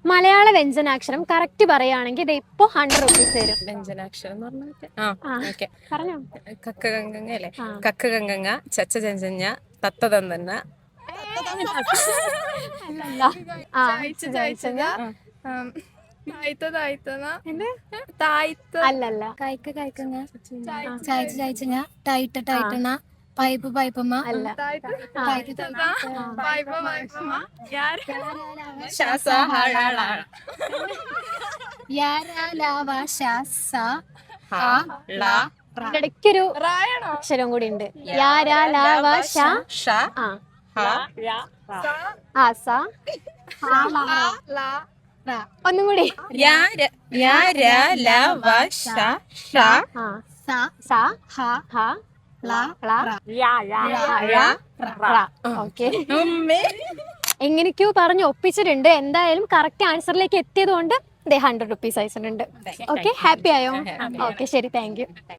മലയാള വ്യഞ്ജനാക്ഷരം കറക്റ്റ് പറയുകയാണെങ്കിൽ ഇത് ഇപ്പൊ 100 റുപ്പീസ് തരും. വ്യഞ്ജനാക്ഷരം എന്ന് പറഞ്ഞാൽ പറഞ്ഞോ. കക്ക ഗംഗ അല്ലേ? കക്ക ഗംഗ, ചച്ച ചഞ്ചഞ്ഞ, തത്തതന്തന്ന, അല്ലല്ല. കായ്ക്ക കായ്ക്കങ്ങ, ചായച്ച ചായച്ചങ്ങ, ടൈറ്റ ടൈറ്റണ, പൈപ്പ് പൈപ്പമ്മ, അല്ല. ഇടയ്ക്കൊരു അക്ഷരം കൂടി ഉണ്ട്. ഒന്നും കൂടി. എങ്ങനെയൊക്കെയോ പറഞ്ഞ് ഒപ്പിച്ചിട്ടുണ്ട്. എന്തായാലും കറക്റ്റ് ആൻസറിലേക്ക് എത്തിയത് കൊണ്ട് 100 റുപ്പീസ് അയച്ചിട്ടുണ്ട്. ഓക്കെ, ഹാപ്പി ആയോ? ഓക്കെ, ശരി, താങ്ക് യു.